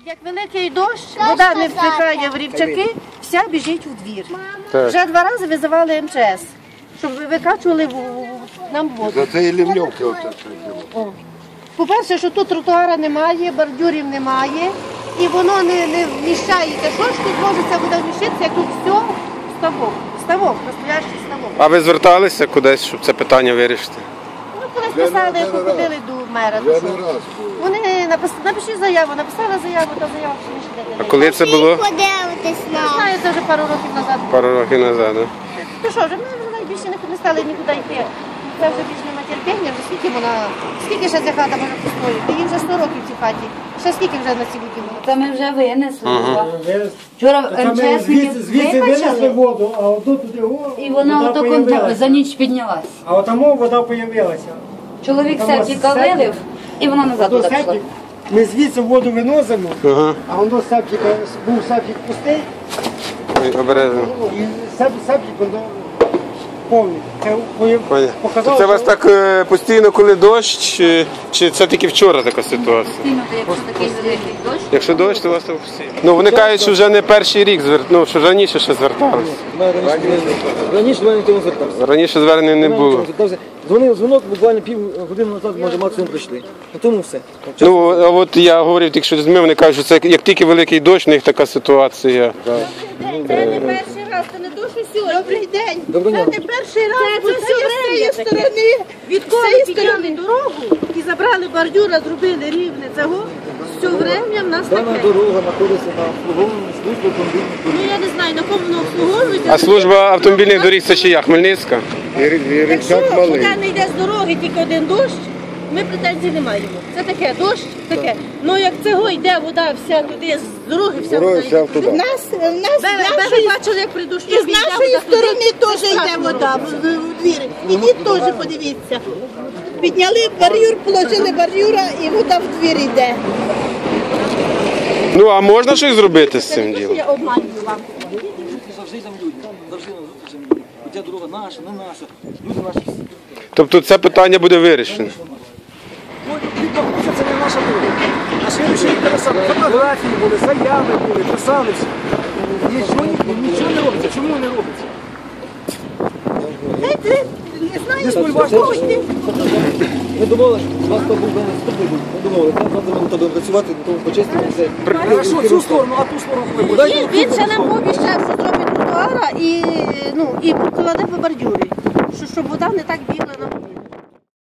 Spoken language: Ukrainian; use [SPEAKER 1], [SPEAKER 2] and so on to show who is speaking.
[SPEAKER 1] Як великий дощ, вода не втікає в рівчаки, вся біжить у двір. Вже 2 рази визивали МЧС, щоб викачували нам воду.
[SPEAKER 2] За це і лівньовки оце.
[SPEAKER 1] По-перше, що тут тротуара немає, бордюрів немає, і воно не вміщається. Що ж тут може ця вода вміщитися, як тут все ставок, настоящий ставок.
[SPEAKER 3] А ви зверталися кудись, щоб це питання вирішити?
[SPEAKER 1] Ну, колись писали, як ходили до мера. Вони напишіть заяву, написали заяву, та заява ще не йде.
[SPEAKER 3] А коли це було?
[SPEAKER 1] Не знаю, це вже пару років назад.
[SPEAKER 3] Пару років назад, так?
[SPEAKER 1] Ну що, вже ми більше не стали нікуди йти. Це вже більш нема терпіння, вже скільки ще ця хата може постояти? Їй вже 100 років в цій хаті. Ще скільки вже на цій воді?
[SPEAKER 4] Це ми вже винесли. Вчора МЧСники
[SPEAKER 5] звідси винесли
[SPEAKER 4] викачали,
[SPEAKER 5] воду, а отут туди
[SPEAKER 4] і вона за ніч піднялась.
[SPEAKER 5] А отамо вода з'явилася.
[SPEAKER 4] Чоловік септика вилив, і вона назад туди пішла.
[SPEAKER 5] Ми звідси воду виносимо, а воно був септик пустий,
[SPEAKER 3] Обережно.
[SPEAKER 5] і септик воно повний.
[SPEAKER 3] Це у вас так постійно, коли дощ, чи це тільки вчора така ситуація?
[SPEAKER 4] Якщо такий великий дощ.
[SPEAKER 3] Якщо дощ, то у вас так постійно. Ну вони кажуть, що вже не перший рік, що раніше ще зверталися.
[SPEAKER 6] Раніше до мене ніхто не звертався.
[SPEAKER 3] Раніше звернень не було.
[SPEAKER 6] Дзвонив дзвонок, буквально півгодини назад, може, максимум прийшли. На тому все.
[SPEAKER 3] Ну, а от я говорив тільки що з ними, вони кажуть, що це як тільки великий дощ, у них така ситуація.
[SPEAKER 1] Це не перший раз, це не то, що сьогодні. Добрий день.
[SPEAKER 6] Доброго дня.
[SPEAKER 1] Це не перший раз, бо це з цієї сторони. Відколи підняли дорогу і забрали бордюра, зробили рівне цього, все время в нас
[SPEAKER 6] Дана
[SPEAKER 1] таке.
[SPEAKER 6] дорога знаходиться на обслуговуванні служби автомобільних доріг.
[SPEAKER 1] Ну я не знаю, на кому воно обслуговується.
[SPEAKER 3] А служба автомобільних доріг це чия? Хмельницька?
[SPEAKER 1] Якщо вода не йде з дороги, тільки один дощ, ми претензій не маємо. Це таке, дощ, таке. Ну як цього йде вода вся туди, з дороги вся вода йде.
[SPEAKER 2] туди.
[SPEAKER 1] Ви бачили, як при дощу
[SPEAKER 7] І з нашої сторони теж йде вода в двір. Ідіть теж подивіться. Підняли бар'юр, положили бар'юра і вода в двір йде.
[SPEAKER 3] Ну, а можна щось зробити з цим ділом?
[SPEAKER 1] Я обманюю вам.
[SPEAKER 6] Завжди там люди. Завжди на зустрічі люди. Хоча дорога наша, не наша. Люди наші всі.
[SPEAKER 3] Тобто це питання буде вирішено?
[SPEAKER 6] Ну, це не наша дорога. А ще написали, фотографії були, заяви були, писалися. Нічого не робиться. Чому не робиться?
[SPEAKER 7] Не знаю,
[SPEAKER 6] Ми думали, що вас то був наступний був. Ми думали, так завтра ми будемо працювати, на тому почистимо все. Хорошо, цю сторону, а ту сторону коли буде?
[SPEAKER 1] Він ще нам пообіцяв, що зробить тротуара і покладе по бордюрі, щоб вода не так бігла на